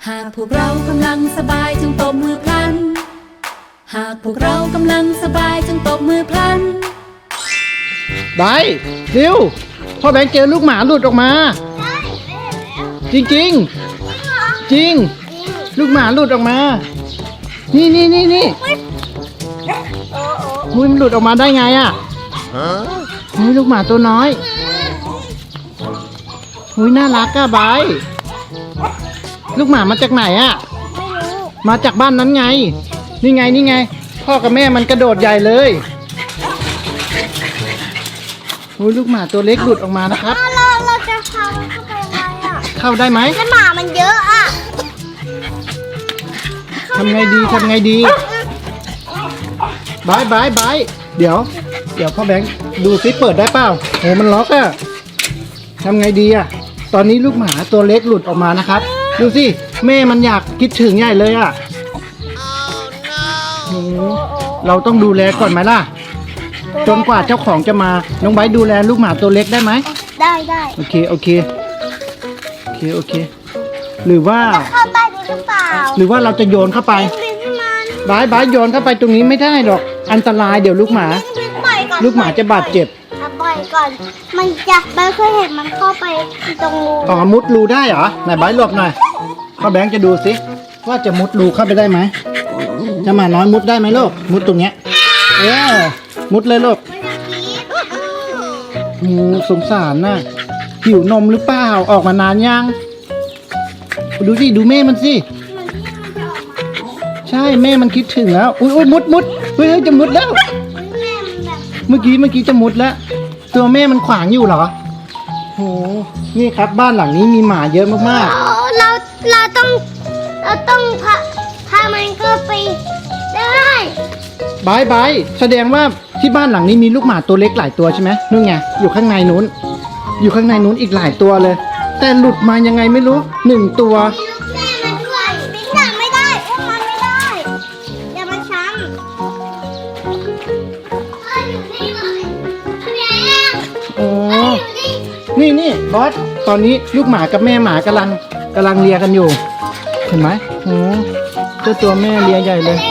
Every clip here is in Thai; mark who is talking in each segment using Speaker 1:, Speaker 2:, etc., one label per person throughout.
Speaker 1: หากพวกเรากำลังสบายจงตบมือพลันหากพวกเรากำลังสบายจงตบมือพลัน
Speaker 2: ได้เร็วพ่อแบงค์เจอลูกหมาหลุดออกมาจริงจริงจริงลูกหมาหลุดออกมานี่หุ้ยมันหลุดออกมาได้ไงอ่ะหุ้ยลูกหมาตัวน้อยหุ้ยน่ารักอ่ะบายลูกหมามาจากไหนอ่ะมาจากบ้านนั้นไงนี่ไงพ่อกับแม่มันกระโดดใหญ่เลยหุ้ยลูกหมาตัวเล็กหลุดออกมานะครับ
Speaker 3: เราจะพามันเข้าไปยังไงอ่ะ
Speaker 2: เข้าได้ไหม
Speaker 3: แล้วหมามันเยอะอ่ะ
Speaker 2: ทำไงดีบายเดี๋ยวพ่อแบงค์ดูซิเปิดได้เปล่าโหมันล็อกอะทำไงดีอะตอนนี้ลูกหมาตัวเล็กหลุดออกมานะครับดูสิแม่มันอยากคิดถึงใหญ่เลยอะโหเราต้องดูแลก่อนไหมล่ะจนกว่าเจ้าของจะมาน้องไบร์ทดูแลลูกหมาตัวเล็กได้ไหม
Speaker 3: ได้
Speaker 2: โอเคหรือว่า
Speaker 3: เข้าใต้นี้หรือเปล่า
Speaker 2: หรือว่าเราจะโยนเข้าไปบายโยนเข้าไปตรงนี้ไม่ได้หรอกอันตรายเดี๋ยวลูกหมาจะบาดเจ็บ
Speaker 3: ปล่อยก่อนมันเคยเห็นมันเข้าไปตรงรู
Speaker 2: อ๋อมุดรูได้เหรอไหนบายหลบหน่อยพ่อแบงค์จะดูสิว่าจะมุดรูเข้าไปได้ไหมจะมาน้อยมุดได้ไหมลูกมุดตรงเนี้ยมุดเลยลูกสงสารน่ะหิวนมหรือเปล่าออกมานานยังดูสิดูแม่มันสิใช่แม่มันคิดถึงแล้วอุ้ยมุดเฮ้ยจะมุดแล้วเมื่อกี้จะมุดแล้วตัวแม่มันขวางอยู่เหรอโหนี่ครับบ้านหลังนี้มีหมาเยอะมาก
Speaker 3: ๆเราต้องพามันก็ไปได้
Speaker 2: บายแสดงว่าที่บ้านหลังนี้มีลูกหมาตัวเล็กหลายตัวใช่ไหมนู่นไงอยู่ข้างในนู้นอีกหลายตัวเลยแต่หลุดมายังไงไม่รู้1 ตัว
Speaker 3: แม่มันด้วยบิ๊กหนักไม่ได้อุ้มมันไม่ได้อย่ามาช้ำอยู่นี่เลย
Speaker 2: โอ้นี่บอสตอนนี้ลูกหมากับแม่หมากำลังเลียกันอยู่เห็นไหมโอ้เจ้าตัวแม่เลียใหญ่เลย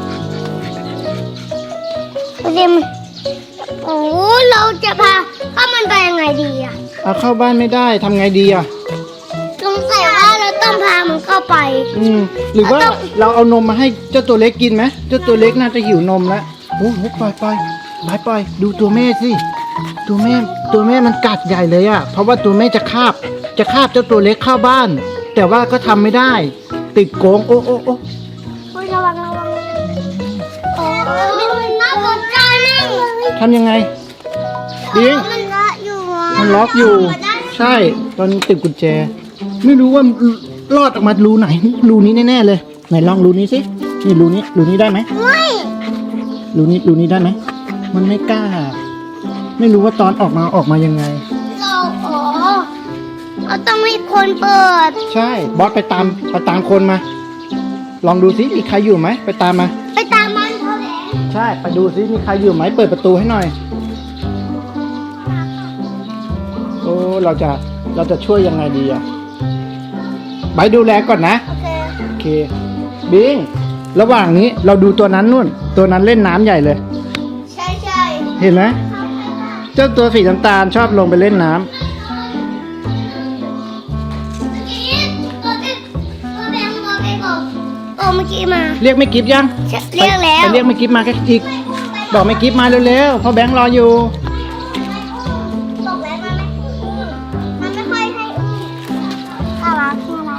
Speaker 3: โอ้เราจะพามันไปยังไงดีอ่ะ
Speaker 2: เอาเข้าบ้านไม่ได้ทำไงดีอ่ะ
Speaker 3: สงสัยว่าเราต้องพามันเข้าไป
Speaker 2: หรือว่าเราเอานมมาให้เจ้าตัวเล็กกินไหมเจ้าตัวเล็กน่าจะหิวนมแล้วโอ้ปล่อยดูตัวแม่สิตัวแม่มันกัดใหญ่เลยอ่ะเพราะว่าตัวแม่จะคาบเจ้าตัวเล็กเข้าบ้านแต่ว่าก็ทำไม่ได้ติดโกงโอ้
Speaker 3: ระวังโอ้มันน่าสนใจมากเลย
Speaker 2: ทำยังไงบิงมันล็อกอยู่ใช่ตอนติดกุญแจไม่รู้ว่ารอดออกมารูไหนรูนี้แน่ๆเลยไหนลองรูนี้สินี่รูนี้ได้ไหมไม่รูนี้ได้ไหมมันไม่กล้าไม่รู้ว่าตอนออกมายังไง
Speaker 3: เราต้องมีคนเปิด
Speaker 2: ใช่บอสไปตามคนมาลองดูสิมีใครอยู่ไหมไปตามมัน
Speaker 3: เขาแหละ
Speaker 2: ใช่ไปดูสิมีใครอยู่ไหมเปิดประตูให้หน่อยโอ้เราจะช่วยยังไงดีอ่ะไปดูแลก่อนนะโอเคบิงระหว่างนี้เราดูตัวนั้นเล่นน้ำใหญ่เลย
Speaker 3: ใช่
Speaker 2: เห็นไหมเจ้าตัวสีน้ำตาลชอบลงไปเล่นน้ำ
Speaker 3: เมื่อกี้มา
Speaker 2: เรียกไม่กิฟยัง
Speaker 3: เรียกแล้ว
Speaker 2: เรียกไม่กิฟมาแค่อีกบอกไม่กิฟมาเร็วๆเพราะแบงค์รออยู่
Speaker 3: บอกแล้วมันไม่ค่อยให้น่ารัก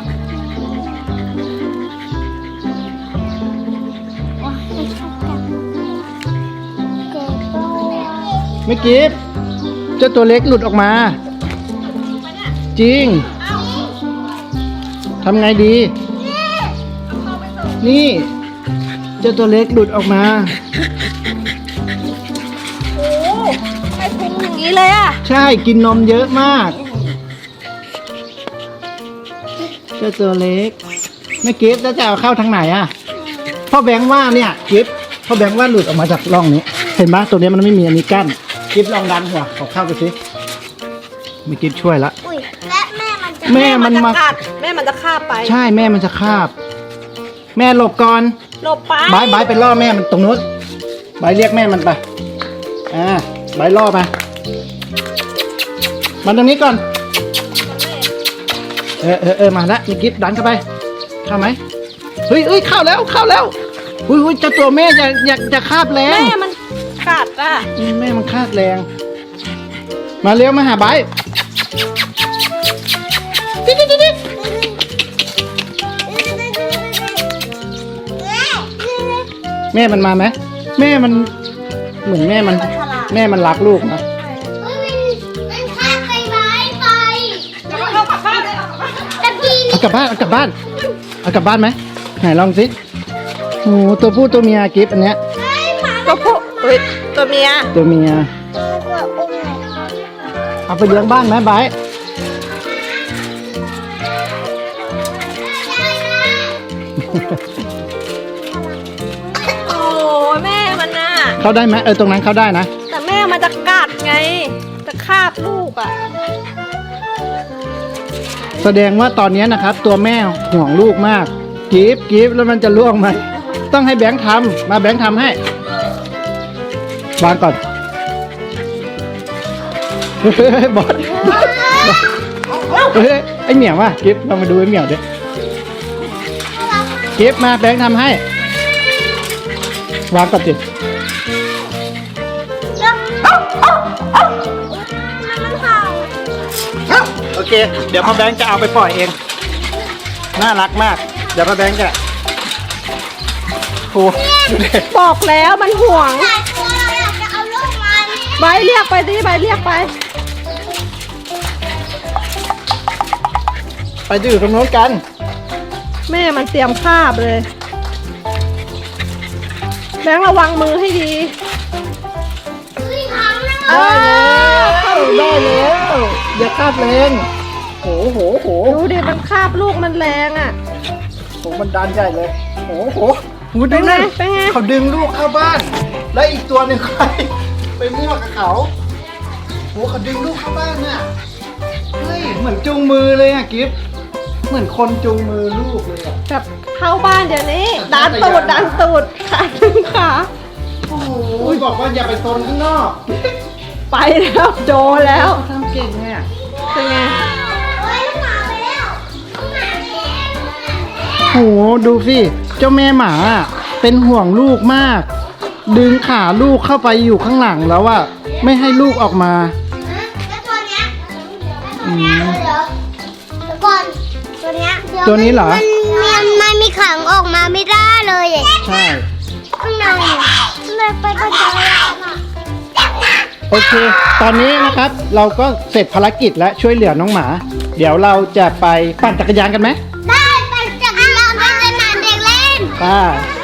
Speaker 2: ไม่กิฟเจ้าตัวเล็กหลุดออกมาจริงทำไงดีนี่เจ้าตัวเล็กหลุดออกมา
Speaker 3: โอ้ไม่พุงอย่างนี้เลยอ่ะ
Speaker 2: ใช่กินนมเยอะมากเจ้าตัวเล็กไม่กิฟต์แล้วจะเอาเข้าทางไหนอ่ะพ่อแบงค์ว่าเนี่ยกิฟต์พ่อแบงค์ว่าหลุดออกมาจากร่องนี้เห็นไหมตัวนี้มันไม่มีอันนี้กั้นกิฟต์ลองดันหัวเข้าไปสิไม่กิฟต์ช่วยละ
Speaker 3: และแม่มันจะ
Speaker 2: แม่มันมา
Speaker 4: กัดแม่มันจะคาบไป
Speaker 2: ใช่แม่มันจะคาบ แม่หลบก่อน
Speaker 4: หลบไป
Speaker 2: บายไปล่อแม่มันตรงนู้นบายเรียกแม่มันไปบายล่อไปมันตรงนี้ก่อนมาละมีกิฟดันเข้าไปเข้าไหมเฮ้ยเข้าแล้วอุ้ยเจ้าตัวแม่อยากคาบแรง
Speaker 4: แม่มันกัดอ่ะ
Speaker 2: แม่มันคาบแรง มาเร็วมาหาบายดิแม่มันมาไหมแม่มันเหมือนแม่มันรักลูกนะ
Speaker 3: มันข้ามไปไม้ไป
Speaker 4: เอากลับบ้านเลย
Speaker 3: ตะกี้
Speaker 2: เอากลับบ้านไหมไหนลองสิโอ้ตัวผู้ตัวเมียกิฟอันเนี้ย
Speaker 4: ตัวผู้ตัวเมีย
Speaker 2: ตัวเมียเอาไปเลี้ยงบ้านไหมบาย
Speaker 4: โอ้แม่มันน่ะ
Speaker 2: เข้าได้ไหมตรงนั้นเข้าได้นะ
Speaker 4: แต่แม่มันจะกัดไง จะคาบลูกอ่ะ
Speaker 2: แสดงว่าตอนนี้นะครับ ตัวแม่ห่วงลูกมากกิฟแล้วมันจะล่วงไหมต้องให้แบงค์ทำมาแบงค์ทำให้วางก่อนเฮ้ยบอสเฮ้ยไอเหมียวว่ะกิฟเรามาดูไอเหมียวดิกิฟมาแบงค์ทำให้วางก่อนสิโอเคเดี๋ยวพ่อแบงค์จะเอาไปปล่อยเองน่ารักมากเดี๋ยวพ่อแบงค์จะโอ้ดูดิ
Speaker 4: บอกแล้วมันห่วง
Speaker 3: หลายตัวเราอยากจะเอาลูกมาเนี่ย
Speaker 4: ใบเรียกไปดิใบเรียกไป
Speaker 2: ไปดูตรงโน้นกัน
Speaker 4: แม่มันเตรียมคาบเลย แบงค์ระวังมือให้ดี
Speaker 2: ได้แล้วอย่าคาดแรงโห
Speaker 4: ดูดิมันคาบลูกมันแรงอ่ะ
Speaker 2: มันดันใหญ่เลยโหดู
Speaker 4: เป็นไง
Speaker 2: นะ
Speaker 4: เป็นไง
Speaker 2: เขาดึงลูกเข้าบ้าน แล้วอีกตัวหนึ่งใครไปมั่วกับเขาเขาดึงลูกเข้าบ้านน่ะเฮ้ยเหมือนจูงมือเลยอ่ะกิฟเหมือนคนจูงมือลูกเลยอ่ะ
Speaker 4: แบบเข้าบ้านเดี๋ยวนี้ ดันตูดขาดึงขา
Speaker 2: โอ้โหบอกว่าอย่าไปโซนข้างนอก
Speaker 4: ไปแล้วโจแล้ว
Speaker 2: ทำเก่งเนี่ย
Speaker 4: เป็นไง
Speaker 2: โหดูสิเจ้าแม่หมาอะเป็นห่วงลูกมาก ดึงขาลูกเข้าไปอยู่ข้างหลังแล้วอะไม่ให้ลูกออกมา
Speaker 3: แล้วตัวเนี้ยเดี๋ยวก่อนตัวเนี้ย
Speaker 2: ตัวนี้เหรอ
Speaker 3: มันมีขังออกมาไม่ได้เลยอ่ะ
Speaker 2: ใช่
Speaker 3: ข้างในเลยไปกระจายอ่ะ
Speaker 2: โอเค ตอนนี้นะครับเราก็เสร็จภารกิจและช่วยเหลือน้องหมา เดี๋ยวเราจะไปปั่นจักรยานกันไหม
Speaker 3: ได้ไปจักรยานไปสนามเด็กเล่น
Speaker 2: ป้า